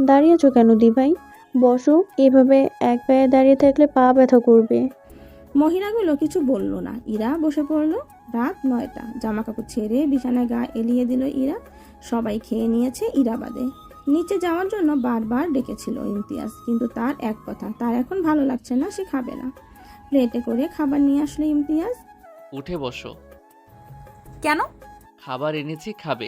দাঁড়িয়েছো কেন দিভাই? বসো, এভাবে এক পায়ে দাঁড়িয়ে থাকলে পা ব্যথা করবে। মহিলাগুলো কিছু বলল না। ইরা বসে পড়ল। রাত 9টা। জামা কাপড় ছেড়ে বিছানায় গা এলিয়ে দিল ইরা। সবাই খেয়ে নিয়েছে, ইরা বাদে। নিচে যাওয়ার জন্য বারবার ডেকেছিল ইমতিয়াজ, কিন্তু তার এক কথা, তার এখন ভালো লাগছে না, সে খাবে না। প্লেটে করে খাবার নিয়ে আসলো ইমতিয়াজ। উঠে বসো। কেন? খাবার এনেছি, খাবে।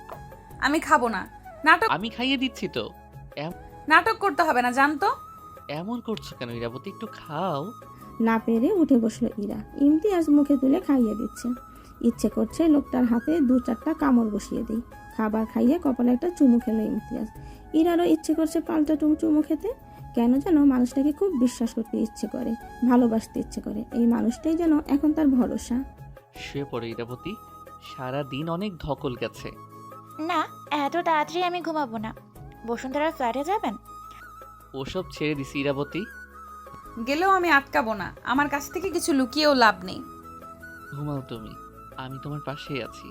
আমি খাবো না। নাটক আমি খাইয়ে দিচ্ছি তো। নাটক করতে হবে না, জানতো। এমন করছো কেন ইরাবতী? একটু খাও। না পেরে উঠে বসলো ইরা। ইমতিয়াজ মুখে তুলে খাইয়ে দিচ্ছে। ইচ্ছে করছে লোকটার হাতে 2-4টা কামড় বসিয়ে দিই। খাবার খাইয়ে কপালে একটা চুমু খেলো ইমতিয়াজ। ইরারও ইচ্ছে করছে পাল্টা চুমু খেতে। কেন যেন মানুষটাকে খুব বিশ্বাস করতে ইচ্ছে করে, ভালোবাসতে ইচ্ছে করে। এই মানুষটাই যেন এখন তার ভরসা। শুয়ে পড়ো ইরাবতী, সারা দিন অনেক ধকল গেছে। না, এত তাড়াতাড়ি আমি ঘুমাবো না। বসুন্ধরার ফ্ল্যাটে যাবেন? ওসব ছেড়ে দিছি ইরাবতী। গেলেও আমি আটকাবো না। আমার কাছ থেকে কিছু লুকিয়েও লাভ নেই। ঘুমাও তুমি, আমি তোমার পাশেই আছি।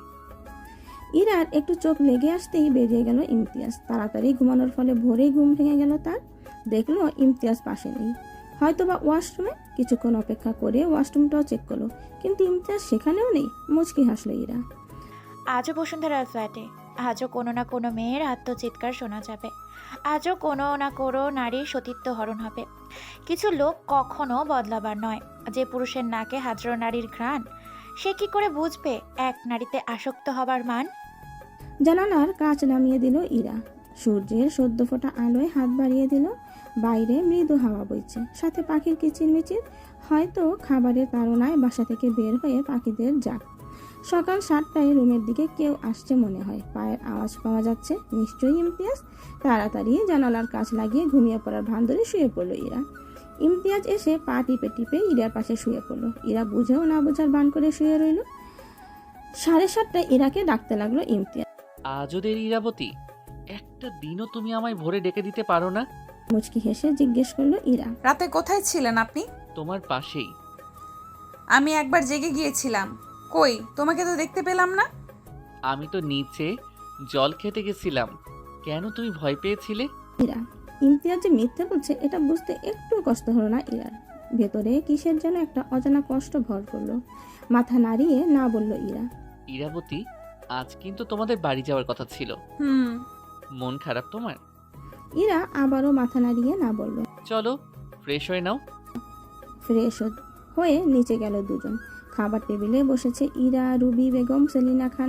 ইরার একটু চোখ লেগে আসতেই বেরিয়ে গেল ইমতিয়াজ। তাড়াতাড়ি ঘুমানোর ফলে ভোরেই ঘুম ভেঙে গেল তার। দেখলো ইমতিয়াজ পাশে নেই, হয়তোবা ওয়াশরুমে। কিছুক্ষণ অপেক্ষা করে ওয়াশরুমটাও চেক করলো, কিন্তু ইমতিয়াজ সেখানেও নেই। মুচকি হাসলো ইরা। আজও বসুন্ধরার ফ্ল্যাটে, আজও কোনো না কোনো মেয়ের আত্মচিৎকার শোনা যাবে। আজও কোনো না কোনো নারীর সতীত্ব হরণ হবে। কিছু লোক কখনো বদলাবার নয়। যে পুরুষের নাকে হাজারো নারীর ঘ্রাণ, সে কি করে বুঝবে এক নারীতে আসক্ত হবার মান? জানালার কাঁচ নামিয়ে দিল ইরা। সূর্যের সদ্য ফোটা আলোয় হাত বাড়িয়ে দিল। বাইরে মৃদু হাওয়া বইছে, সাথে পাখির কিচিরমিচির। হয়তো খাবারের তাড়নায় বাসা থেকে বের হয়ে পাখিদের ডাক। সকাল 7টায় রুমের দিকে কেউ আসছে মনে হয়। পায়ের আওয়াজ পাওয়া যাচ্ছে, নিশ্চয়ই ইমতিয়াজ। তাড়াতাড়ি জানালার কাঁচ লাগিয়ে ঘুমিয়ে পড়ার ভান ধরে শুয়ে পড়ল ইরা। ইমতিয়াজ এসে পা টিপে টিপে ইরার পাশে শুয়ে পড়ল। ইরা বুঝেও না বোঝার ভান করে শুয়ে রইল। 7:30টায় ইরাকে ডাকতে লাগলো ইমতিয়াজ। আজও দেরি ইরাবতী? একটা দিনও তুমি আমায় ভোরে ডেকে দিতে পারো না? মুচকি হেসে জিজ্ঞেস করলো ইরা। রাতে কোথায় ছিলেন আপনি? তোমার পাশেই। আমি একবার জেগে গিয়েছিলাম। কই, তোমাকে তো দেখতে পেলাম না। আমি তো নিচে জল খেতে গেছিলাম। কেন, তুমি ভয় পেয়েছিলে? ইরা। ইমতিয়াজ যে মিথ্যে বলছে এটা বুঝতে একটু কষ্ট হলো না ইরার। ভেতরে কিসের যেন একটা অজানা কষ্ট ভর করলো। মাথা নাড়িয়ে না বলল ইরা। ইরাবতী, আজ কিন্তু তোমাদের বাড়ি যাওয়ার কথা ছিল। হুম। মন খারাপ তোমার? ইরা আবারও মাথা নাড়িয়ে না বলল। চলো ফ্রেশ হয়ে নাও। ফ্রেশ হয়ে নিচে গেল দুজন। খাবার টেবিলে বসেছে ইরা, রুবি বেগম, সেলিনা খান,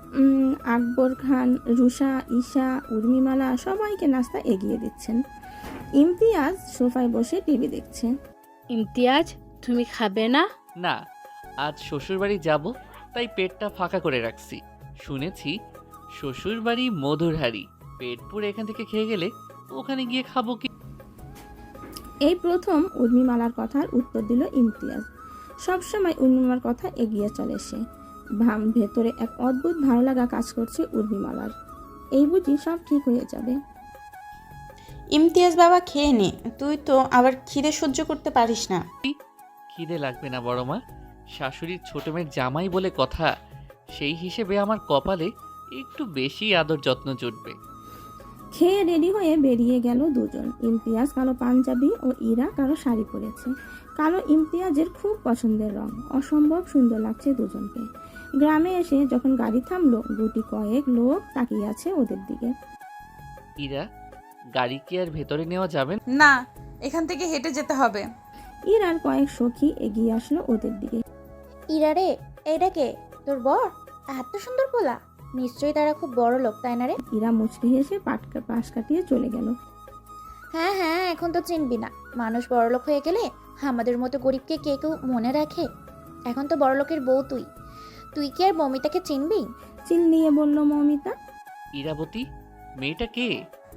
আকবর খান, রুষা, ঈশা, উর্মিমালা সবাইকে নাস্তা এগিয়ে দিচ্ছেন। ইমতিয়াজ সোফায় বসে টিভি দেখছে। ইমতিয়াজ, তুমি খাবে না? না, আজ শ্বশুরবাড়ি যাব, তাই পেটটা ফাঁকা করে রাখছি। শুনেছি শ্বশুরবাড়ি মধুর হাড়ি, পেট পুরে এখান থেকে খেয়ে গেলে ওখানে গিয়ে খাবো কি? এই প্রথম উর্মিমালার কথার উত্তর দিল ইমতিয়াজ। সবসময় উর্মিমালার কথা এগিয়ে চলে সে। ভেতরে এক অদ্ভুত ভালো লাগা কাজ করছে উর্মিমালার। এই বুঝি সব ঠিক হয়ে যাবে। ইমতিয়াজ বাবা, খেয়ে নে। তুই তো আবার খিদে সহ্য করতে পারিস না। খিদে লাগবে না বড় মা, শাশুড়ির ছোট মেয়ের জামাই বলে কথা, সেই হিসেবে আমার কপালে একটু বেশি আদর যত্ন জুটবে। খেয়ে রেডি হয়ে বেরিয়ে গেল দুজন। ইমতিয়াজ কালো পাঞ্জাবি ও ইরা কালো শাড়ি পরেছে। কালো ইমতিয়াজের খুব পছন্দের রং। অসম্ভব সুন্দর লাগছে দুজনকে। গ্রামে এসে যখন গাড়ি থামলো, গুটি কয়েক লোক তাকিয়ে আছে ওদের দিকে। ইরা, গাড়ি কি আর ভেতরে নেওয়া যাবে না? না, এখান থেকে হেঁটে যেতে হবে। ইরার কয়েক সখী এগিয়ে আসলো ওদের দিকে। ইরা রে, এইটা কে? তোর বর? এত সুন্দর পোলা, নিশ্চয়ই তারা খুব বড় লোক, তাই না রে? ইরা মুচকি হেসে পাশ কাটিয়ে চলে গেল। হ্যাঁ হ্যাঁ, এখন তো চিনবি না। মানুষ বড়লোক হয়ে গেলে আমাদের মতো গরিবকে কে কেউ মনে রাখে? এখন তো বড়লোকের বউ তুই। তুই কি আর মমিতাকে চিনবি? চিল্লিয়ে বলল মমিতা। ইরাবতী, মেয়েটা কে?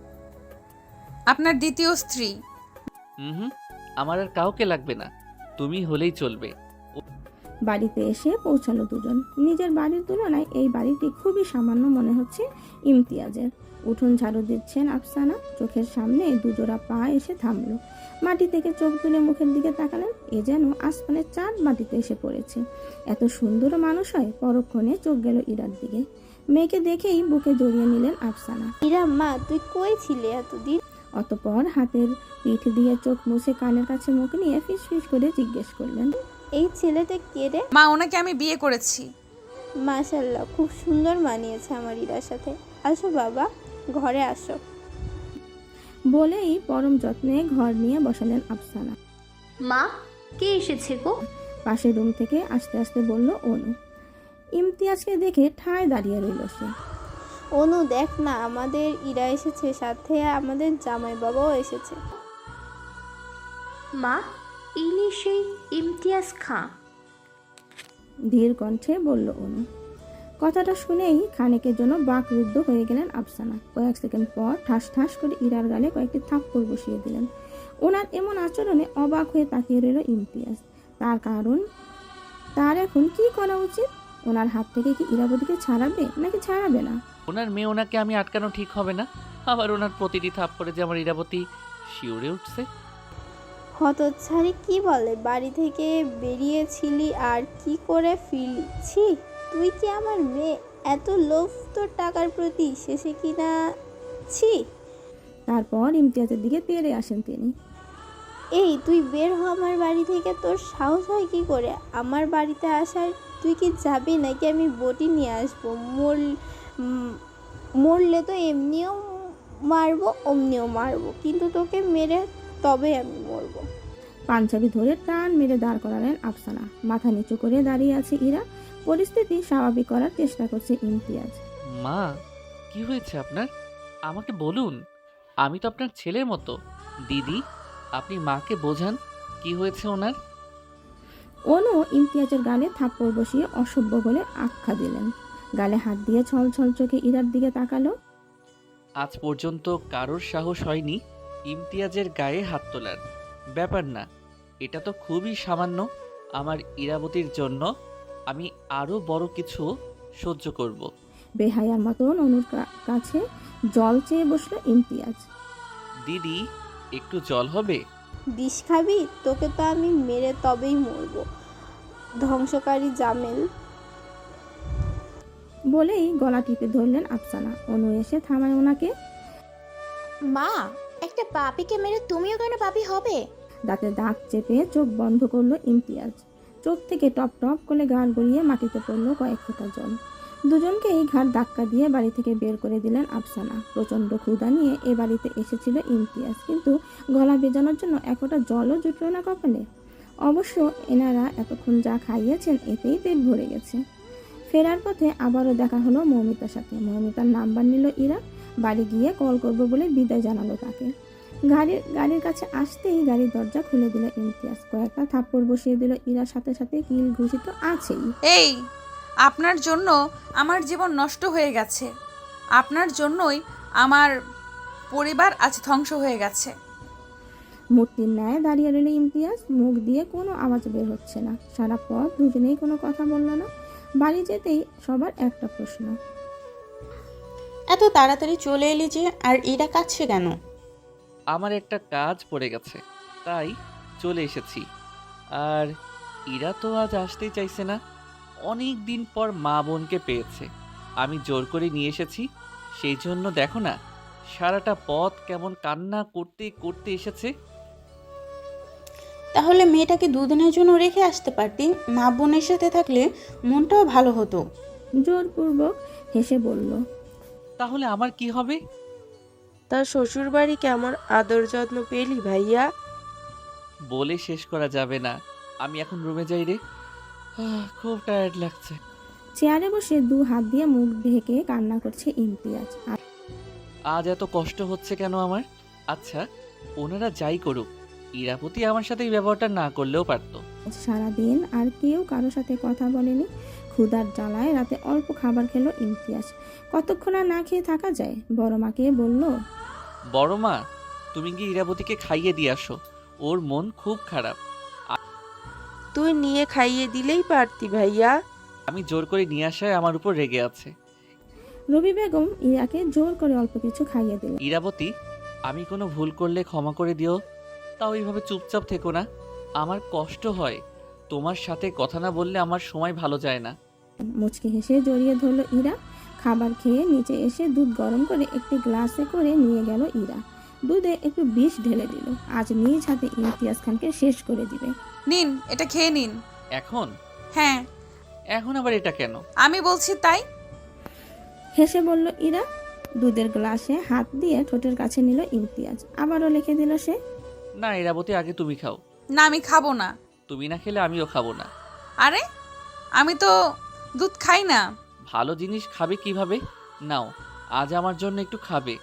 আপনার দ্বিতীয় স্ত্রী। হুম, আমার আর কাউকে লাগবে না, তুমি হলেই চলবে। বাড়িতে এসে পৌঁছালো দুজন। নিজের বাড়ির তুলনায় এই বাড়িটি খুবই সামান্য মনে হচ্ছে ইমতিয়াজের। উঠোন ঝাড়ু দিচ্ছেন আফসানা। চোখের সামনে দুজোড়া পা এসে থামলো। মাটি থেকে চোখ তুলে মুখের দিকে তাকালেন। এ যেন আসমানের চাঁদ মাটিতে এসে পড়েছে। এত সুন্দর মানুষ হয়? পরক্ষণে চোখ গেল ইরার দিকে। মেয়েকে দেখেই বুকে জড়িয়ে নিলেন আফসানা। ইরা মা, তুই কই ছিলে এতদিন? অতঃপর হাতের পিঠ দিয়ে চোখ মুছে কানের কাছে মুখ নিয়ে ফিস ফিস করে জিজ্ঞেস করলেন, এই ছেলেটা কে রে? মা, ওনাকে আমি বিয়ে করেছি। মাশাল্লাহ, খুব সুন্দর মানিয়েছে আমার ইরার সাথে। আসো বাবা, ঘরে আসো। বলেই পরম যত্নে ঘর নিয়ে বসালেন আফসানা। মা, কে এসেছে গো? পাশের রুম থেকে আস্তে আস্তে বলল অনু। ইমতিয়াজকে দেখে ঠায় দাঁড়িয়ে রইল সে। অনু, দেখ না, আমাদের ইরা এসেছে, সাথে আমাদের জামাই বাবাও এসেছে। মা, ইনি সেই ইমতিয়াজ খাঁ। ধীর কণ্ঠে বলল অনু। কথাটা শুনেই খানিকের জন্য বাকরুদ্ধ হয়ে গেলেন আফসানা। কয়েক সেকেন্ড পর ঠাস ঠাস করে ইরার গালে কয়েকটি থাপ্পড় বসিয়ে দিলেন। ওনার এমন আচরণে অবাক হয়ে তাকিয়ে রইল ইমতিয়াজ। তার কারণ, তার এখন কি করা উচিত? ওনার হাত থেকে কি ইরাবতীকে ছাড়াবে নাকি ছাড়াবে না? ওনার মেয়ে ওনাকে আমি আটকানো ঠিক হবে না। আবার ওনার প্রতিটি থাপ্পড়ে যে আমার ইরাবতী শিউরে উঠছে। হতচ্ছাড়ি কি বলে, বাড়ি থেকে বেরিয়েছিলি আর কি করে ফিরছি? তুই কি আমার মেয়ে? এত লোভ তোর টাকার প্রতি, শেষে কি না? ছি! তারপর ইমতিয়াজের দিকে তেড়ে আসেন তিনি। এই, তুই বের হ আমার বাড়ি থেকে। তোর সাহস হয় কি করে আমার বাড়িতে আসার? তুই কি যাবি নাকি আমি বটি নিয়ে আসবো? মরলে তো এমনিও মারবো, অমনিও মারবো, কিন্তু তোকে মেরে তবে আমি মরবো। পাঞ্জাবি ধরে টান মেরে দাঁড় করালেন আফসানা। মাথা নিচু করে দাঁড়িয়ে আছে ইরা। পরিস্থিতি স্বাভাবিক করার চেষ্টা করছে ইমতিয়াজ। মা, কি হয়েছে আপনার? আমাকে বলুন, আমি তো আপনার ছেলের মতো। দিদি, আপনি মাকে বোঝান কি হয়েছে ওনার। অনু ইমতিয়াজের গালে থাপ্পড় বসিয়ে অসভ্য বলে আখ্যা দিলেন। গালে হাত দিয়ে ছল ছল চোখে ইরার দিকে তাকালো। আজ পর্যন্ত কারোর সাহস হয়নি ইমতিয়াজের গায়ে হাত তোলার। ব্যাপার না, এটা তো খুবই সামান্য। আমার ইরাবতীর জন্য আমি আরও বড় কিছু সহ্য করব। বেহায়ার মতন অনুর কাছে জল চেয়ে বসলো ইমতিয়াজ। দিদি, একটু জল হবে? বিষ খাবি? তোকে তো আমি মেরে তবেই মরবো, ধ্বংসকারী জামেল। বলেই গলা টিপে ধরলেন আফসানা। অনু এসে থামায় ওনাকে। মা, একটা পাপিকে মেরে তুমিও কেন পাপি হবে? দাঁতে দাঁত চেপে চোখ বন্ধ করলো ইমতিয়াজ। চোখ থেকে টপ টপ করে গাল গড়িয়ে মাটিতে পড়লো কয়েক ফোঁটা জল। দুজনকেই ঘাট ধাক্কা দিয়ে বাড়ি থেকে বের করে দিলেন আফসানা। প্রচণ্ড ক্ষুধা নিয়ে এ বাড়িতে এসেছিল ইমতিয়াজ, কিন্তু গলা ভেজানোর জন্য এক ফোঁটা জলও জুটল না কপালে। অবশ্য এনারা এতক্ষণ যা খাইয়েছেন এতেই পেট ভরে গেছে। ফেরার পথে আবারও দেখা হলো মৌমিতার সাথে। মৌমিতার নাম্বার নিল ইরা। বাড়ি গিয়ে কল করবো বলে বিদায় জানালো তাকে। গাড়ির কাছে আসতেই গাড়ির দরজা খুলে দিল ইমতিয়াজ। কয়েকটা থাপ্পড় বসিয়ে দিল ইরার, সাথে সাথে কিল ঘুষি তো আছেই। এই, আপনার জন্য আমার জীবন নষ্ট হয়ে গেছে। আপনার জন্যই আমার পরিবার আজ ধ্বংস হয়ে গেছে। মূর্তির ন্যায় দাঁড়িয়ে রইল ইমতিয়াজ। মুখ দিয়ে কোনো আওয়াজ বের হচ্ছে না। সারা পথ দুজনেই কোনো কথা বলল না। বাড়ি যেতেই সবার একটা প্রশ্ন, এত তাড়াতাড়ি চলে এলি যে, আর এরা কাছে কেন? আমার একটা কাজ পড়ে গেছে, তাই চলে এসেছি। আর ইরা তো আজ আসতেই চাইছে না। অনেক দিন পর মা বোনকে পেয়েছে, আমি জোর করে নিয়ে এসেছি। সেই জন্য দেখো না, সারাটা পথ কেমন কান্না করতে করতে এসেছে। তাহলে মেয়েটাকে দুদিনের জন্য রেখে আসতে পারতি। মা বোনের সাথে থাকলে মনটাও ভালো হতো। জোরপূর্বক হেসে বলল। তাহলে আমার কি হবে? তার শ্বশুর বাড়ি কেমন আদর যত্ন পেলি ভাইয়া? বলে শেষ করা যাবে না। আমি এখন রুমে যাই রে, খুব টায়ার্ড লাগছে। চেয়ারে বসে দু হাত দিয়ে মুখ ঢেকে কান্না করছে ইমতিয়াজ। আজ এত কষ্ট হচ্ছে কেন আমার? আচ্ছা, ওনারা যাই করুক, ইরাপতি আমার সাথে এই ব্যবহারটা না করলেও পারতো। সারাদিন আর কেউ কারো সাথে কথা বলেনি। ক্ষুধার জ্বালায় রাতে অল্প খাবার খেলো ইমতিয়াজ। কতক্ষণ আর না খেয়ে থাকা যায়? বড় মাকে বলল, বড় মা, তুমি গিয়ে ইরাবতীকে খাইয়ে দিয়ে আসো, ওর মন খুব খারাপ। তুই নিয়ে খাইয়ে দিলেই পারতি ভাইয়া। আমি জোর করে নিয়ে আসায় আমার উপর রেগে আছে। রবি বেগম ইরাকে জোর করে অল্প কিছু খাইয়ে দিল। ইরাবতী, আমি কোনো ভুল করলে ক্ষমা করে দিও। তাও এইভাবে চুপচাপ থেকো না, আমার কষ্ট হয়। তোমার সাথে কথা না বললে আমার সময় ভালো যায় না। মুচকি হেসে জড়িয়ে ধরলো ইরা। খাবার খেয়ে নিচে এসে দুধ গরম করে একটি গ্লাসে করে নিয়ে গেল ইরা। দুধে একটু বিষ ঢেলে দিল। আজ নিজ হাতে ইমতিয়াজ খানকে শেষ করে দিবে। নিন, এটা খেয়ে নিন। এখন? হ্যাঁ, এখন আবার এটা কেন? আমি বলছি তাই। হেসে বলল ইরা। দুধের গ্লাসে হাত দিয়ে ঠোঁটের কাছে নিল ইমতিয়াজ। আবারও লিখে দিল সে। না ইরাবতী, আগে তুমি খাও। না, আমি খাবো না। তুমি না খেলে আমিও খাবো না। আরে, আমি তো দুধ খাই না। ভালো জিনিস খাবে কিভাবে? নাও, আজ আমার জন্য একটু খাবে।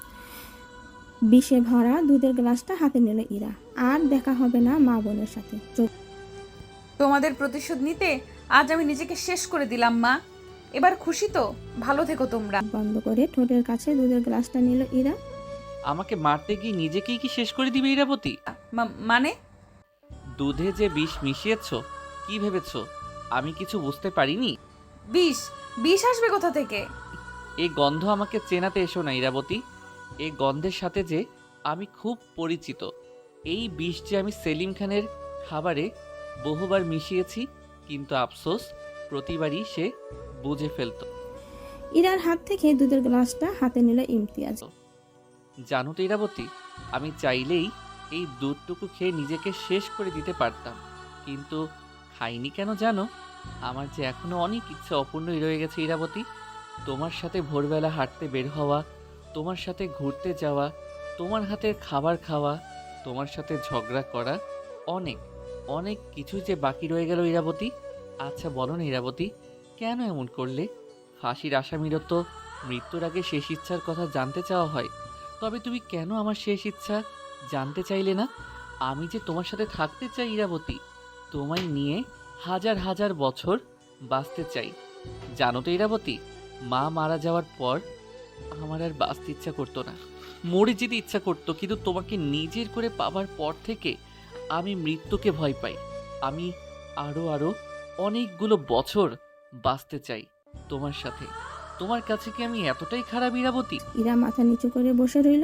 বিষে ভরা দুধের গ্লাসটা হাতে নিল ইরা। আর দেখা হবে না মা বোনের সাথে। চোখ তোমাদের প্রতিশোধ নিতে আজ আমি নিজেকে শেষ করে দিলাম মা। এবার খুশি তো? ভালো থেকো তোমরা। বন্ধ করে ঠোঁটের কাছে দুধের গ্লাসটা নিল ইরা। আমাকে মারতে গিয়ে নিজেকেই কি শেষ করে দিবে ইরাবতী? মানে? দুধে যে বিষ মিশিয়েছ, কি ভেবেছ আমি কিছু বুঝতে পারিনি? বিষ? বিষ আসবে কোথা থেকে? এই গন্ধ আমাকে চেনাতে এসো না ইরাবতী। এই গন্ধের সাথে যে আমি খুব পরিচিত। এই বিষ যে আমি সেলিম খানের খাবারে বহুবার মিশিয়েছি, কিন্তু আফসোস প্রতিবারই সে বুঝে ফেলতো। ইরার হাত থেকে দুধের গ্লাসটা হাতে নিল ইমতিয়াজ। জানো তো ইরাবতী, আমি চাইলেই এই দুধটুকু খেয়ে নিজেকে শেষ করে দিতে পারতাম, কিন্তু খাইনি কেন জানো? আমার যে এখনো অনেক ইচ্ছা অপূর্ণই রয়ে গেছে ইরাবতী। তোমার সাথে ভোরবেলা হাঁটতে বের হওয়া, তোমার সাথে ঘুরতে যাওয়া, তোমার হাতের খাবার খাওয়া, তোমার সাথে ঝগড়া করা, অনেক অনেক কিছু যে বাকি রয়ে গেল ইরাবতী। আচ্ছা বলো না ইরাবতী, কেন এমন করলে? ফাঁসির আসামিরও তো মৃত্যুর আগে শেষ ইচ্ছার কথা জানতে চাওয়া হয়, তবে তুমি কেন আমার শেষ ইচ্ছা জানতে চাইলে না? আমি যে তোমার সাথে থাকতে চাই ইরাবতী, তোমায় নিয়ে হাজার হাজার বছর বাঁচতে চাই। জানো তো ইরাবতী, মা মারা যাওয়ার পর আমার আর বাঁচতে ইচ্ছা করতো না, মরে যেতে ইচ্ছা করতো, কিন্তু তোমাকে নিজের করে পাবার পর থেকে আমি মৃত্যুকে ভয় পাই। আমি আরো আরো অনেকগুলো বছর বাঁচতে চাই তোমার সাথে। তোমার কাছে কি আমি এতটাই খারাপ ইরাবতী? ইরা মাথা নিচু করে বসে রইল।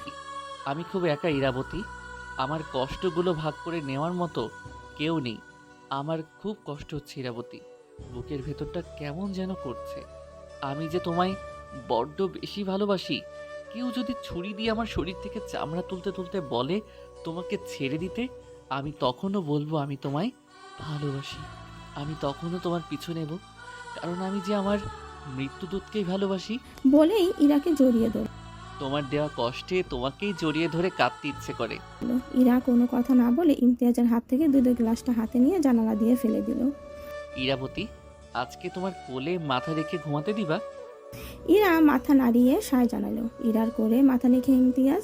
আমি খুব একা ইরাবতী, আমার কষ্টগুলো ভাগ করে নেওয়ার মতো কেউ নেই। আমার খুব কষ্ট হচ্ছে ইরাবতী, বুকের ভেতরটা কেমন যেন করছে। আমি যে তোমায় বড্ড বেশি ভালোবাসি। কেউ যদি ছুরি দিয়ে আমার শরীর থেকে চামড়া তুলতে তুলতে বলে তোমাকে ছেড়ে দিতে, আমি তখনও বলবো আমি তোমায় ভালোবাসি। আমি তখনও তোমার পিছু নেব, কারণ আমি যে আমার মৃত্যুদূতকেই ভালোবাসি। বলেই ইরাকে জড়িয়ে ধরল। তোমার দেওয়া কষ্টে তোমাকেই জড়িয়ে ধরে কাঁদতে ইচ্ছে করে। ইরা কোনো কথা না বলে ইমতিয়াজের হাত থেকে দুধের গ্লাসটা হাতে নিয়ে জানালা দিয়ে ফেলে দিল। ইরাবতী, আজকে তোমার কোলে মাথা রেখে ঘুমাতে দিবা? ইরা মাথা নাড়িয়ে সায় জানালো। ইরার কোলে মাথা রেখে ইমতিয়াজ।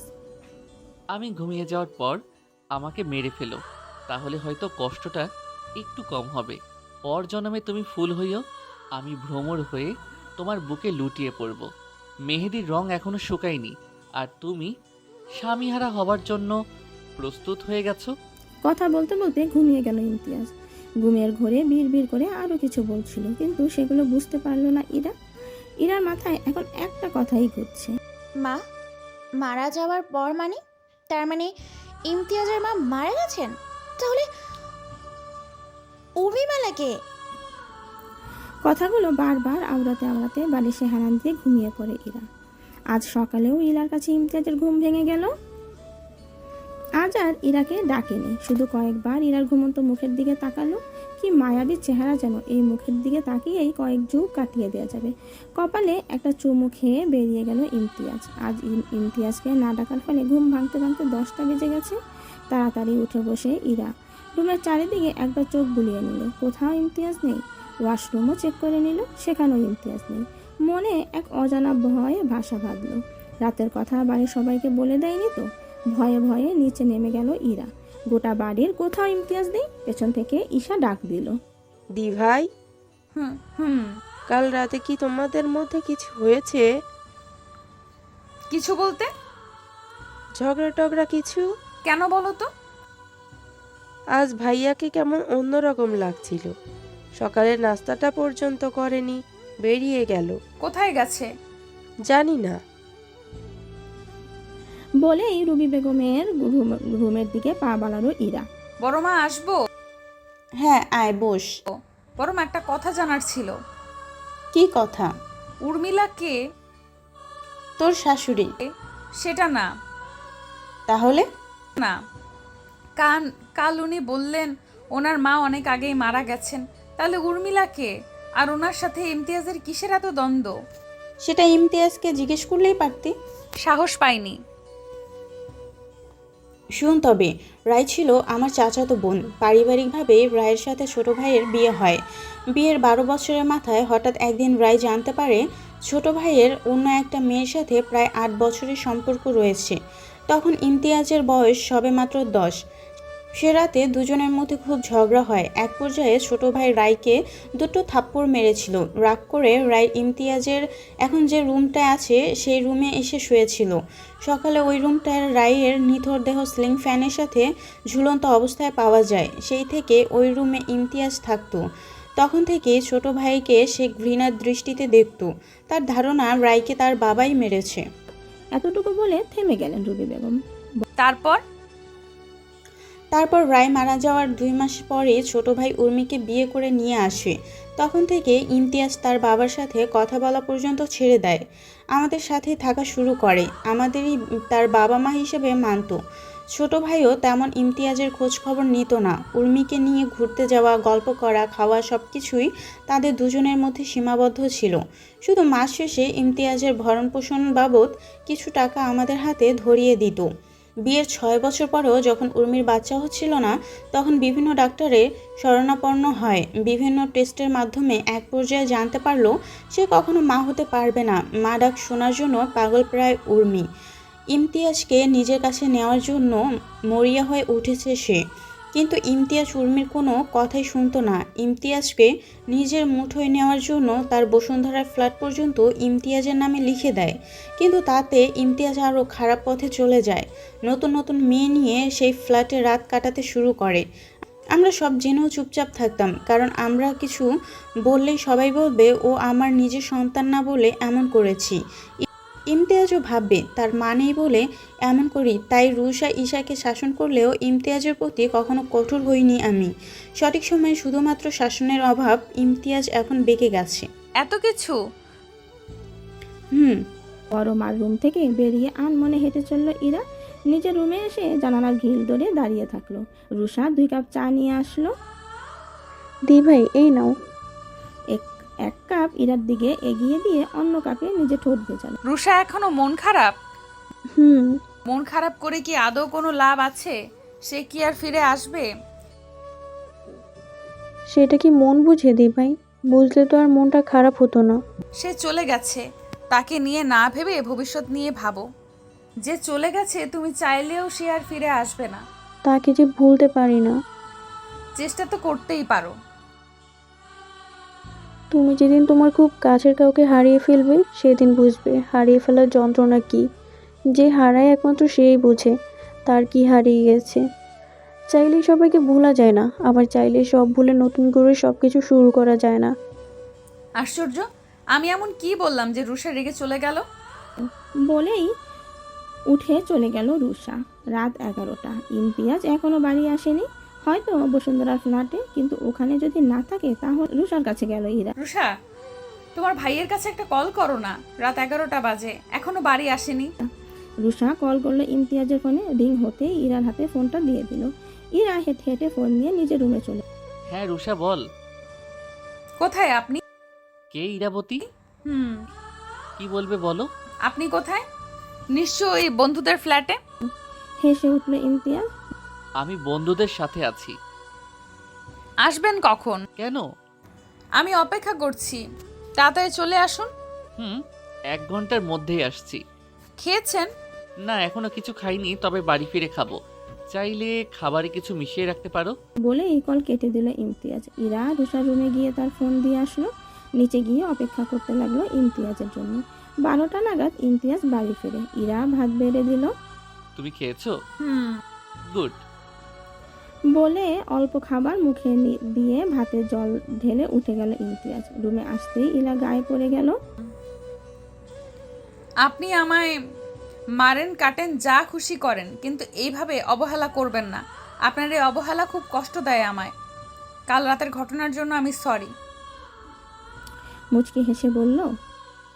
আমি ঘুমিয়ে যাওয়ার পর আমাকে মেরে ফেলো, তাহলে হয়তো কষ্টটা একটু কম হবে। পর জন্মে তুমি ফুল হইও, আমি ভ্রমর হয়ে তোমার বুকে লুটিয়ে পড়ব। মেহেদির রং এখনো শুকায়নি, আর তুমি স্বামীহারা হবার জন্য প্রস্তুত হয়ে গেছো। কথা বলতে বলতে ঘুমিয়ে গেল ইমতিয়াজ। ঘুমের ঘোরে বিড় করে আরো কিছু বলছিল, কিন্তু সেগুলো বুঝতে পারলো না ইরা। ইরার মাথায় এখন একটা কথাই ঘুরছে। মা মারা যাওয়ার পর মানে? তার মানে ইমতিয়াজের মা মারা গেছেন? তাহলে উর্মিমালাকে? কথাগুলো বারবার আওড়াতে আওড়াতে বালিশে হেলান দিয়ে ঘুমিয়ে পড়ে ইরা। আজ সকালেও ইরার কাছে ইমতিয়াজের ঘুম ভেঙে গেল। আজ আর ইরাকে ডাকেনি, শুধু কয়েকবার ইরার ঘুমন্ত মুখের দিকে তাকালো। কি মায়াবী চেহারা যেন, এই মুখের দিকে তাকিয়েই কয়েক যুগ কাটিয়ে দেওয়া যাবে। কপালে একটা চুমু খেয়ে বেরিয়ে গেল ইমতিয়াজ। আজ ইমতিয়াজকে না ডাকার ফলে ঘুম ভাঙতে ভাঙতে 10টা বেজে গেছে। তাড়াতাড়ি উঠে বসে ইরা রুমের চারিদিকে একবার চোখ বুলিয়ে নিল, কোথাও ইমতিয়াজ নেই। ওয়াশরুমও চেক করে নিল, সেখানেও ইমতিয়াজ নেই। মনে এক অজানা ভয়ে ভাষা বাঁধল। রাতের কথা বাড়ির সবাইকে বলে দেয়নি তো? ভয়ে ভয়ে নিচে নেমে গেল ইরা। গোটা বাড়ির কোথাও ইমতিয়াজ নেই। পেছন থেকে ঈশা ডাক দিল, দি ভাই, হুম। কাল রাতে কি তোমাদের মধ্যে কিছু হয়েছে? কিছু বলতে? ঝগড়া টগড়া কিছু? কেন বলো তো? আজ ভাইয়াকে কেমন অন্যরকম লাগছিল। সকালের নাস্তাটা পর্যন্ত করেনি, বেরিয়ে গেল। কোথায় গেছে? জানি না। বলেই রুবি বেগমের রুমের দিকে পা বাড়ালো ইরা। বড় মা আসবো? হ্যাঁ, আয় বস। বড় মা, একটা কথা জানার ছিল। কি কথা? উর্মিলা কে? তোর শাশুড়ি। সেটা না। তাহলে? না, কাল উনি বললেন ওনার মা অনেক আগেই মারা গেছেন। তাহলে উর্মিলা কে? আর ওনার সাথে ইমতিয়াজের কিসের এত দ্বন্দ্ব? সেটা ইমতিয়াজকে জিজ্ঞেস করলেই পারতি। সাহস পাইনি। শুন তবে, রায় ছিল আমার চাচাতো বোন। পারিবারিকভাবে রায়ের সাথে ছোট ভাইয়ের বিয়ে হয়। বিয়ের 12 বছরের মাথায় হঠাৎ একদিন রায় জানতে পারে ছোট ভাইয়ের অন্য একটা মেয়ের সাথে প্রায় 8 বছরের সম্পর্ক রয়েছে। তখন ইমতিয়াজের বয়স সবেমাত্র 10। সে রাতে দুজনের মধ্যে খুব ঝগড়া হয়। এক পর্যায়ে ছোট ভাই রায়কে দুটো থাপ্পড় মেরেছিল। রাগ করে রায় ইমতিয়াজের এখন যে রুমটায় আছে সেই রুমে এসে শুয়েছিল। সকালে ওই রুমটার রায়ের নিথর দেহ সিলিং ফ্যানের সাথে ঝুলন্ত অবস্থায় পাওয়া যায়। সেই থেকে ওই রুমে ইমতিয়াজ থাকতো। তখন থেকে ছোট ভাইকে সে ঘৃণার দৃষ্টিতে দেখত। তার ধারণা রায়কে তার বাবাই মেরেছে। এতটুকু বলে থেমে গেলেন রুবি বেগম। তারপর রায় মারা যাওয়ার 2 মাস পরে ছোট ভাই উর্মিকে বিয়ে করে নিয়ে আসে। তখন থেকে ইমতিয়াজ তার বাবার সাথে কথা বলা পর্যন্ত ছেড়ে দেয়। আমাদের সাথে থাকা শুরু করে। আমাদেরই তার বাবা মা হিসেবে মানত। ছোট ভাইও তেমন ইমতিয়াজের খোঁজ খবর নিত না। উর্মিকে নিয়ে ঘুরতে যাওয়া, গল্প করা, খাওয়া সব কিছুই তাদের দুজনের মধ্যে সীমাবদ্ধ ছিল। শুধু মাস শেষে ইমতিয়াজের ভরণ পোষণ বাবদ কিছু টাকা আমাদের হাতে ধরিয়ে দিত। বিয়ের 6 বছর পরেও যখন উর্মির বাচ্চা হচ্ছিল না, তখন বিভিন্ন ডাক্তারের শরণাপন্ন হয়। বিভিন্ন টেস্টের মাধ্যমে এক পর্যায়ে জানতে পারলো সে কখনো মা হতে পারবে না। মা ডাক শোনার জন্য পাগল প্রায় উর্মি। ইমতিয়াজকে নিজের কাছে নেওয়ার জন্য মরিয়া হয়ে উঠেছে সে। কিন্তু ইমতিয়াজ উর্মির কোনো কথাই শুনতো না। ইমতিয়াজকে নিজের মুঠোয় নেওয়ার জন্য তার বসুন্ধরার ফ্ল্যাট পর্যন্ত ইমতিয়াজের নামে লিখে দেয়। কিন্তু তাতে ইমতিয়াজ আরও খারাপ পথে চলে যায়। নতুন নতুন মেয়ে নিয়ে সেই ফ্ল্যাটে রাত কাটাতে শুরু করে। আমরা সব জেনেও চুপচাপ থাকতাম, কারণ আমরা কিছু বললেই সবাই বলবে ও আমার নিজের সন্তান না বলে এমন করেছি। ইমতিয়াজও ভাববে তার মা নেই বলে এমন করি। তাই রুষা ঈশাকে শাসন করলেও ইমতিয়াজের প্রতি কখনো কঠোর হইনি আমি। সঠিক সময়ে শুধুমাত্র শাসনের অভাব ইমতিয়াজ এখন বেঁকে গেছে। এত কিছু? বড় মার রুম থেকে বেরিয়ে আনমনে হেঁটে চলল ইরা। নিজের রুমে এসে জানালার গ্রিল ধরে দাঁড়িয়ে থাকলো। রুষা 2 কাপ চা নিয়ে আসলো। দি ভাই, এই নাও। এক কাপ ইরার দিকে এগিয়ে দিয়ে অন্য কাপে নিজে ঠোঁট ভেজালো। রুষা এখনো মন খারাপ? মন খারাপ করে কি আদৌ কোনো লাভ আছে? সে কি আর ফিরে আসবে? সেটা কি মন বুঝে দি ভাই? বুঝলে তো আর মনটা খারাপ হতো না। সে চলে গেছে, তাকে নিয়ে না ভেবে ভবিষ্যৎ নিয়ে ভাবো। যে চলে গেছে তুমি চাইলেও সে আর ফিরে আসবে না। তাকে যে ভুলতে পারি না। চেষ্টা তো করতেই পারো। তুমি যেদিন তোমার খুব কাছের কাউকে হারিয়ে ফেলবে সেদিন বুঝবে হারিয়ে ফেলার যন্ত্রণা কি। যে হারায় একমাত্র সেই বোঝে তার কি হারিয়ে গেছে। চাইলেই সবাইকে ভোলা যায় না, আবার চাইলেই সব ভুলে নতুন করে সব কিছু শুরু করা যায় না। আশ্চর্য, আমি এমন কি বললাম যে রুষা রেগে চলে গেল? বলেই উঠে চলে গেল রুষা। রাত 11টা। ইমতিয়াজ এখনো বাড়ি আসেনি, হয়তো বসুন্ধরার ফ্ল্যাটে। কিন্তু ওখানে যদি না থাকে তাহলে রুষার কাছে গেল ইরা। রুষা, তোমার ভাইয়ের কাছে একটা কল করো না। রাত 11টা বাজে, এখনো বাড়ি আসেনি। রুষা কল করলো ইমতিয়াজের ফোনে। রিং হতেই ইরার হাতে ফোনটা দিয়ে দিল। ইরা হেঁটে হেঁটে ফোন নিয়ে নিজের রুমে চলে। হ্যাঁ রুষা বল। কোথায় আপনি? কে ইরাবতী? কি বলবে বলো। আপনি কোথায়? নিশ্চয়ই বন্ধুদের ফ্ল্যাটে। হেসে উঠল ইমতিয়াজ। আমি বন্ধুদের সাথে আছি। আসবেন কখন? কেন? আমি অপেক্ষা করছি, তাড়াতাড়ি চলে আসুন। 1 ঘন্টার মধ্যেই আসছি। খেয়েছেন? না এখনো কিছু খাইনি, তবে বাড়ি ফিরে খাবো। চাইলে খাবারে কিছু মিশিয়ে রাখতে পারো। বলে এই কল কেটে দিল ইমতিয়াজ। ইরা রুষার রুমে গিয়ে তার ফোন দিয়ে আসলো। নিচে গিয়ে অপেক্ষা করতে লাগলো ইমতিয়াজের জন্য। 12টা নাগাদ ইমতিয়াজ বাড়ি ফিরে। ইরা ভাত বেড়ে দিল। তুমি খেয়েছো? গুড। বলে অল্প খাবার মুখে দিয়ে ভাতে জল ঢেলে উঠে গেল ইমতিয়াজ। রুমে আসতেই ইরা গায়ে পড়ে গেল। আপনি আমায় মারেন, কাটেন, যা খুশি করেন, কিন্তু এইভাবে অবহেলা করবেন না। আপনার এই অবহেলা খুব কষ্ট দেয় আমায়। কাল রাতের ঘটনার জন্য আমি সরি। মুচকি হেসে বলল,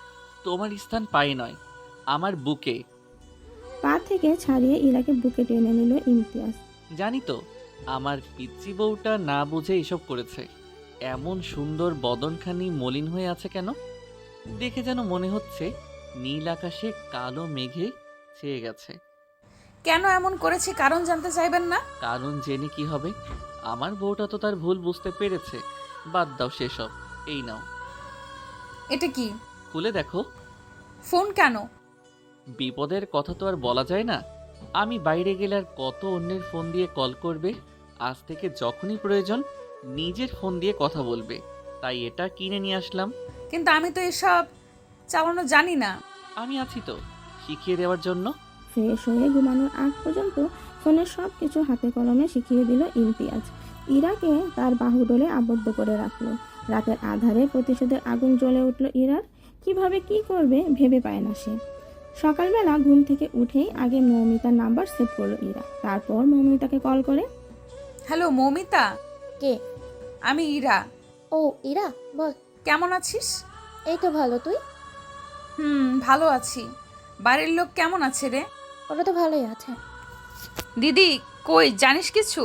তোমার স্থান পায়ে নয়, আমার বুকে। পা থেকে ছাড়িয়ে ইরাকে বুকে টেনে নিল ইমতিয়াজ। জানি তো আমার পিচ্চি বউটা না বুঝে এসব করেছে। এমন সুন্দর বদনখানি মলিন হয়ে আছে কেন? দেখে যেন মনে হচ্ছে নীল আকাশে কালো মেঘে ছেয়ে গেছে। কেন এমন করেছি কারণ জানতে চাইবেন না? কারণ জেনে কি হবে? আমার বউটা তো তার ভুল বুঝতে পেরেছে। বাদ দাও সেসব। এই নাও, এটা কি? খুলে দেখো। ফোন কেন? বিপদের কথা তো আর বলা যায় না। আমি বাইরে গেলে আর কত অন্যের ফোন দিয়ে কল করবে? আজ থেকে যখনই প্রয়োজন নিজের ফোন দিয়ে কথা বলবে, তাই এটা কিনে নিয়ে আসলাম। কিন্তু আমি তো এসব চালানো জানি না। আমি আছি তো শিখিয়ে দেওয়ার জন্য। ফ্রেশ হয়ে ঘুমানোর আগ পর্যন্ত ফোনের সব কিছু হাতে কলমে শিখিয়ে দিল ইমতিয়াজ। ইরাকে তার বাহুডোলে আবদ্ধ করে রাখলো। রাতের আধারে প্রতিশোধের আগুন জ্বলে উঠল ইরার। কিভাবে কি করবে ভেবে পায় না সে। সকালবেলা ঘুম থেকে উঠেই আগে মৌমিতার নাম্বার সেভ করলো ইরা। তারপর মৌমিতাকে কল করে। হ্যালো মৌমিতা, কে? আমি ইরা। ও ইরা, বল। কেমন আছিস? এই তো ভালো, তুই? ভালো আছি। বাড়ির লোক কেমন আছে রে? ওরা তো ভালোই আছে। দিদি কই, জানিস কিছু?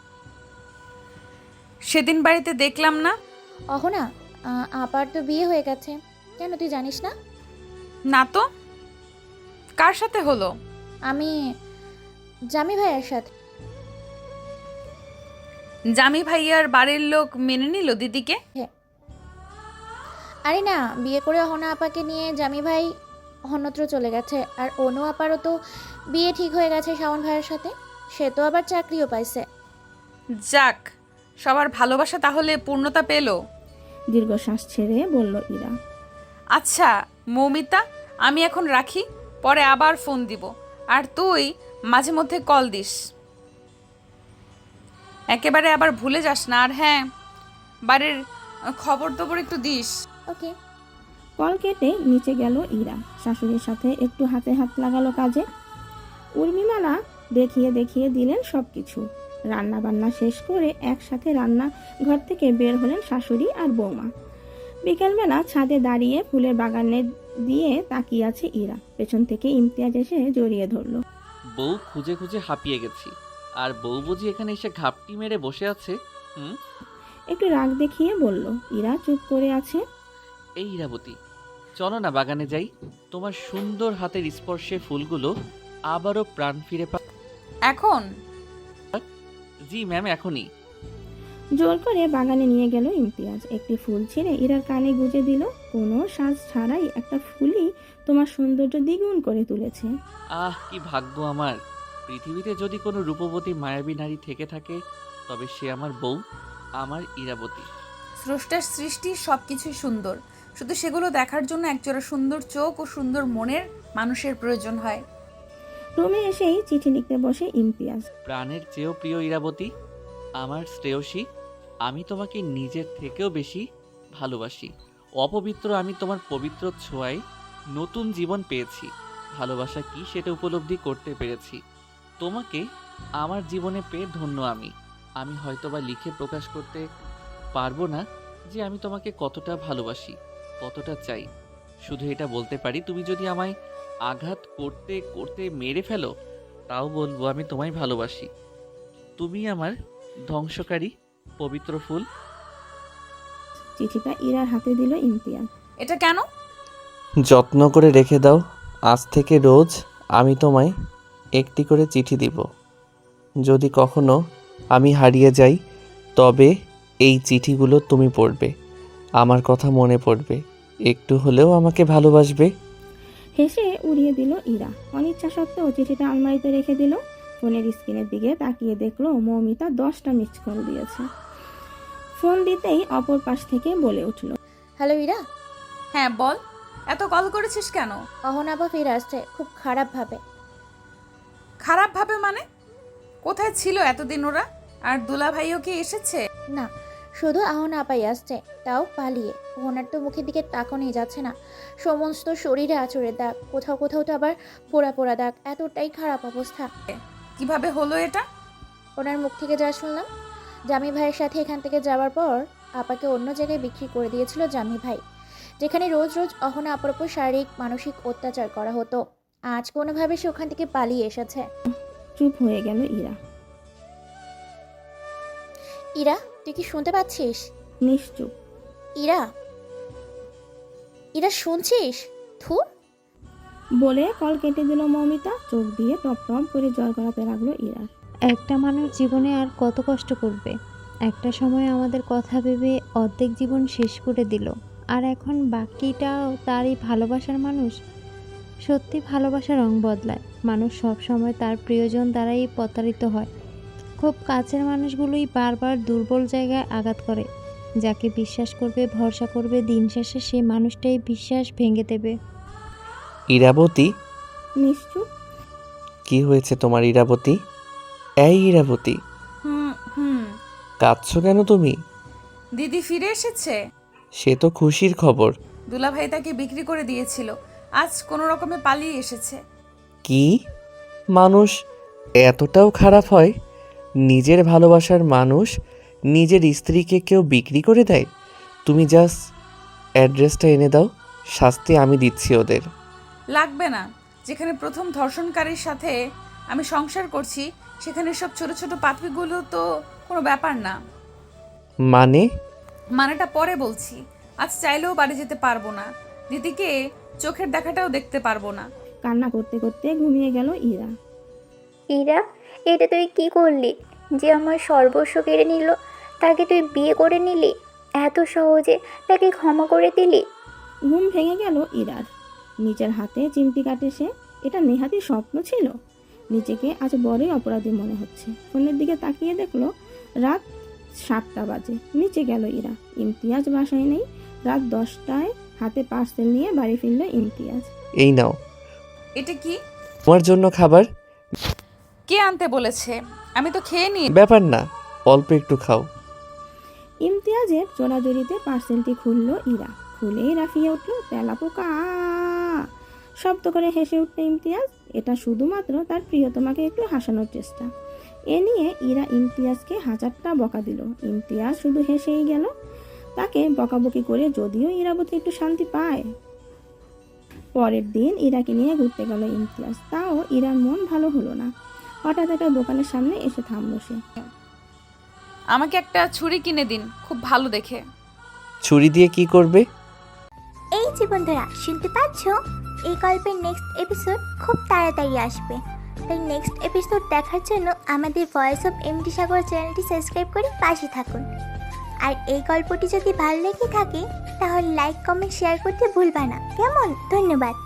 সেদিন বাড়িতে দেখলাম না। অহনা, আপার তো বিয়ে হয়ে গেছে। কেন, তুই জানিস না? না তো। কার সাথে হলো? আমি জামি ভাইয়ের সাথে। জামি ভাইয়ার বাড়ির লোক মেনে নিল দিদিকে? আরে না, বিয়ে করে অহনা আপাকে নিয়ে জামি ভাই অন্যত্র চলে গেছে। আর অনু আপারও তো বিয়ে ঠিক হয়ে গেছে শাওন ভাইয়ের সাথে। সে তো আবার চাকরিও পাইছে। যাক, সবার ভালোবাসা তাহলে পূর্ণতা পেল। দীর্ঘশ্বাস ছেড়ে বলল ইরা। আচ্ছা মৌমিতা, আমি এখন রাখি, পরে আবার ফোন দিব। আর তুই মাঝে মধ্যে কল দিস, একেবারে আবার ভুলে যাস না। আর হ্যাঁ, বাড়ির খবর টবর একটু দিস। ওকে। কল কেটে নিচে গেল ইরা। শাশুড়ির সাথে একটু হাতে হাত লাগালো কাজে। উর্মিমালা দেখিয়ে দেখিয়ে দিলেন সব কিছু। রান্না বান্না শেষ করে একসাথে রান্না ঘর থেকে বের হলেন শাশুড়ি আর বৌমা। বিকেলবেলা ছাদে দাঁড়িয়ে ফুলের বাগানে দিয়ে তাকিয়ে আছে ইরা। পেছন থেকে ইমতিয়াজ এসে জড়িয়ে ধরলো। বউ খুঁজে খুঁজে হাঁপিয়ে গেছি, আর বউ বুঝি এখানে এসে ঘাপটি মেরে বসে আছে। একটু রাগ দেখিয়ে বলল। ইরা চুপ করে আছে। এই ইরাবতী, চলো না বাগানে যাই। তোমার সুন্দর হাতের স্পর্শে ফুলগুলো আবারও প্রাণ ফিরে এখন? জি ম্যাম, এখনই। জোর করে বাগানে নিয়ে গেল ইমতিয়াজ। একটি ফুল ছিঁড়ে ইরার কানে গুজে দিল। কোনো সাজ ছাড়াই একটা ফুলই তোমার সৌন্দর্য দ্বিগুণ করে তুলেছে। আহ, কি ভাগ্য আমার। পৃথিবীতে যদি কোনো রূপবতী মায়াবী নারী থেকে থাকে, তবে সে আমার বউ, আমার ইরাবতী। স্রষ্টার সৃষ্টি সব কিছুই সুন্দর, শুধু সেগুলো দেখার জন্য একজোড়া সুন্দর চোখ ও সুন্দর মনের মানুষের প্রয়োজন হয়। রুমে এসেই চিঠি লিখতে বসে ইমতিয়াজ। প্রাণের চেয়েও প্রিয় ইরাবতী, আমার শ্রেয়সী, আমি তোমাকে নিজের থেকেও বেশি ভালোবাসি। অপবিত্র আমি তোমার পবিত্র ছোঁয়ায় নতুন জীবন পেয়েছি। ভালোবাসা কি সেটা উপলব্ধি করতে পেরেছি। তোমাকে আমার জীবনে পেয়ে ধন্য আমি। আমি হয়তোবা লিখে প্রকাশ করতে পারবো না যে আমি তোমাকে কতটা ভালোবাসি, কতটা চাই। শুধু এটা বলতে পারি, তুমি যদি আমায় আঘাত করতে করতে মেরে ফেলো, তাও বলবো আমি তোমায় ভালোবাসি। তুমি আমার ধ্বংসকারী পবিত্র ফুল। চিঠিটা ইরার হাতে দিল ইমতিয়াজ। এটা কেন? যত্ন করে রেখে দাও। আজ থেকে রোজ আমি তোমায় একটি করে চিঠি দিব। যদি কখনো আমি হারিয়ে যাই, তবে এই চিঠিগুলো তুমি পড়বে, আমার কথা মনে পড়বে, একটু হলেও আমাকে ভালোবাসবে। হেসে উড়িয়ে দিল ইরা। অনিচ্ছা সত্ত্বেও চিঠিটা আলমারিতে রেখে দিল। ফোনের স্ক্রিনের দিকে তাকিয়ে দেখলো মৌমিতা 10টা মিসড কল দিয়েছে। ফোন দিতেই অপর পাশ থেকে বলে উঠল। হ্যালো ইরা। হ্যাঁ বল, এত কল করেছিস কেন? অহনা আপা ফিরে আসছে, খুব খারাপভাবে। খারাপভাবে মানে? কোথায় ছিল এতদিন ওরা? আর দুলা ভাইও কি এসেছে? না, শুধু অহনা আপাই আসছে, তাও পালিয়ে। ওনার তো মুখের দিকে তাকানোই যাচ্ছে না। সমস্ত শরীরে আঁচড়ের দাগ, কোথাও কোথাও তো আবার পোড়া পোড়া দাগ। এতটাই খারাপ অবস্থা। কিভাবে হলো এটা? ওনার মুখ থেকে যা শুনলাম, জামি ভাইয়ের সাথে এখান থেকে যাওয়ার পর আপাকে অন্য জায়গায় বিক্রি করে দিয়েছিল জামি ভাই। যেখানে রোজ রোজ অহনা অপর উপর শারীরিক মানসিক অত্যাচার করা হতো। আজ কোনোভাবে সে ওখান থেকে পালিয়ে এসেছে। চুপ হয়ে গেল ইরা। ইরা, তুই কি শুনতে পাচ্ছিস? নিশ্চুপ। ইরা, ইরা শুনছিস? থু। বলে কল কেটে দিল মৌমিতা। চোখ দিয়ে টপ টপ করে জল গড়াতে লাগলো ইরা। একটা মানুষ জীবনে আর কত কষ্ট করবে? একটা সময় আমাদের কথা ভেবে অর্ধেক জীবন শেষ করে দিল, আর এখন বাকিটাও তারই ভালোবাসার মানুষ। সত্যি ভালোবাসার রং বদলায়। মানুষ সব সময় তার প্রিয়জন দ্বারাই প্রতারিত হয়। খুব কাছের মানুষগুলোই বারবার দুর্বল জায়গায় আঘাত করে। যাকে বিশ্বাস করবে, ভরসা করবে, দিন শেষে সেই মানুষটাই বিশ্বাস ভেঙে দেবে। ইরাবতী, নিশ্চুপ। কি হয়েছে তোমার ইরাবতী? এই ইরাবতী, হুম। কাঁদছো কেন তুমি? দিদি ফিরে এসেছে। সে তো খুশির খবর। দুলাভাই তাকে বিক্রি করে দিয়েছিল, আজ কোনো রকমে পালিয়ে এসেছে। কি? মানুষ এতটাও খারাপ হয়? নিজের ভালোবাসার মানুষ নিজের স্ত্রীকে কেউ বিক্রি করে দেয়? তুমি জাস্ট অ্যাড্রেসটা এনে দাও, শাস্তি আমি দিচ্ছি ওদের। লাগবে না। যেখানে প্রথম ধর্ষণকারীর সাথে আমি সংসার করছি, সেখানে সব ছোট ছোট পাপড়িগুলো তো কোনো ব্যাপার না। মানেটা পরে বলছি। আজ চাইলেও বাড়ি যেতে পারবো না, দিদিকে চোখের দেখাটাও দেখতে পারবো না। কান্না করতে করতে ঘুমিয়ে গেল ইরা। ইরা, এটা তুই কি করলি? যে আমার সর্বস্ব কেড়ে নিল, তাকে তুই বিয়ে করে নিলি, এত সহজে তাকে ক্ষমা করে দিলি? ঘুম ভেঙে গেল ইরার। নিজের হাতে চিমটি কাটে সে। এটা নেহাতি স্বপ্ন ছিল। নিজেকে আজ বড়ই অপরাধী মনে হচ্ছে। ফোনের দিকে তাকিয়ে দেখলো রাত 7টা বাজে। নিচে গেল ইরা। ইমতিয়াজ বাসায় নেই। রাত 10টায় হাতে পার্সেল নিয়ে বাড়ি ফিরল ইমতিয়াজ। এই নাও এটা কি? তোমার জন্য খাবার। কে আনতে বলেছে? আমি তো খেয়ে নি। ব্যাপার না, অল্প একটু খাও। ইমতিয়াজের জোড়াজড়িতে পার্সেলটি খুলল ইরা। খুলেই রাফিয়ে উঠল তেলাপোকা শব্দ করে হেসে উঠল ইমতিয়াজ। এটা শুধুমাত্র তার প্রিয়তমাকে একটু হাসানোর চেষ্টা। এ নিয়ে ইরা ইমতিয়াজকে হাজারটা বকা দিল। ইমতিয়াজ শুধু হেসেই গেল। তাকে বকাবকি করে যদিও ইরাবতী একটু শান্তি পায়। পরের দিন ইরাকে নিয়ে ঘুরতে গেল ইমতিয়াজ। তাও ইরার মন ভালো হলো না। হঠাৎ একটা দোকানের সামনে এসে থামলো সে। আমাকে একটা ছুরি কিনে দিন, খুব ভালো দেখে। ছুরি দিয়ে কি করবে? এই যে বন্ধুরা, শুনতে পাচ্ছ? এই গল্পের নেক্সট এপিসোড খুব তাড়াতাড়ি আসবে। তাই নেক্সট এপিসোড দেখার জন্য আমাদের ভয়েস অফ এমডি সাগর চ্যানেলটি সাবস্ক্রাইব করে পাশে থাকুন। আর এই গল্পটি যদি ভালো লেগে থাকে তাহলে লাইক, কমেন্ট, শেয়ার করতে ভুলবা না। কেমন? ধন্যবাদ।